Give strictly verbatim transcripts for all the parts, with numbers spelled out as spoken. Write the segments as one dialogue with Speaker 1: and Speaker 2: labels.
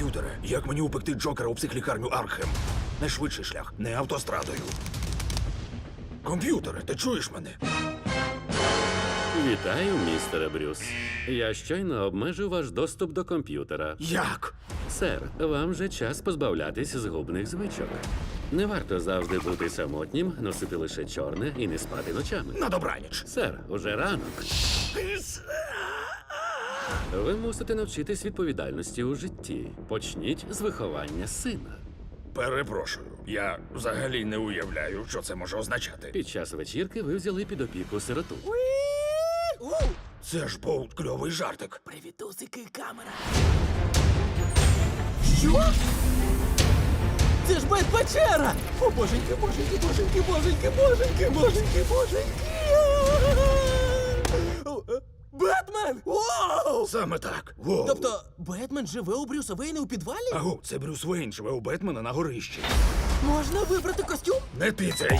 Speaker 1: Комп'ютере, як мені упекти Джокера у психлікарню Аркхем? Найшвидший шлях, не автострадою. Комп'ютере, ти чуєш мене?
Speaker 2: Вітаю, містере Брюс. Я щойно обмежив ваш доступ до комп'ютера.
Speaker 1: Як?
Speaker 2: Сер, вам же час позбавлятись згубних звичок. Не варто завжди бути самотнім, носити лише чорне і не спати ночами.
Speaker 1: На добраніч.
Speaker 2: Сер, уже ранок. Ви мусите навчитись відповідальності у житті. Почніть з виховання сина.
Speaker 1: Перепрошую, я взагалі не уявляю, що це може означати.
Speaker 2: Під час вечірки ви взяли під опіку сироту.
Speaker 1: Це ж був кльовий жартик.
Speaker 3: Привітусики, камера. Що? Це ж Бет-печера! О, боженьки, боженьки, боженьки, боженьки, боженьки, боженьки, боженьки! О, е, Бетмен! Вау!
Speaker 1: Саме так. Воу.
Speaker 3: Тобто, Бетмен живе у Брюса Вейна у підвалі?
Speaker 1: Агу, це Брюс Вейн живе у Бетмена на горищі.
Speaker 3: Можна вибрати костюм?
Speaker 1: Не ти цей.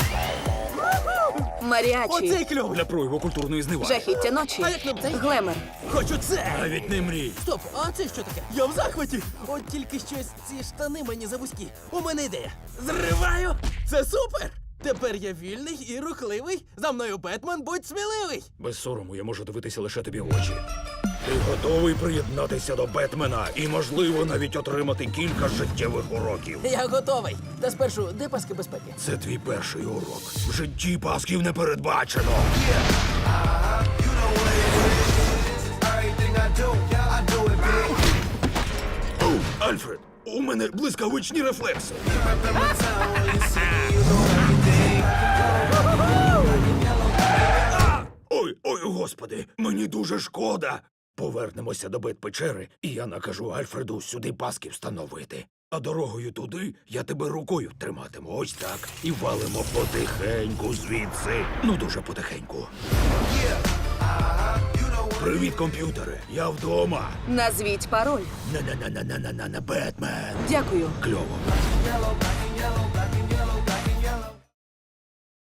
Speaker 4: Маріачі.
Speaker 3: Оцей кльовий!
Speaker 1: Для прояву культурної зневаги.
Speaker 4: Жахіття ночі.
Speaker 3: А як нам цей?
Speaker 4: Глемер.
Speaker 3: Хочу це!
Speaker 1: Навіть не мрій.
Speaker 3: Стоп, а це що таке? Я в захваті! От тільки щось ці штани мені завузькі. У мене ідея. Зриваю! Це супер! Тепер я вільний і рухливий. За мною Бетмен, будь сміливий!
Speaker 1: Без сорому я можу дивитися лише тобі в очі. Ти готовий приєднатися до Бетмена і, можливо, навіть отримати кілька життєвих уроків.
Speaker 3: Я готовий. Та спершу, де паски безпеки?
Speaker 1: Це твій перший урок. В житті пасків не передбачено. Оу, Альфред, у мене блискавичні рефлекси. А! Ой, ой, господи, мені дуже шкода. Повернемося до Бет-печери, і я накажу Альфреду сюди паски встановити. А дорогою туди я тебе рукою триматиму. Ось так. І валимо потихеньку звідси. Ну, дуже потихеньку. Привіт, комп'ютери. Я вдома.
Speaker 4: Назвіть пароль.
Speaker 1: На-на-на-на-на-на-на, Бетмен.
Speaker 4: Дякую.
Speaker 1: Кльово.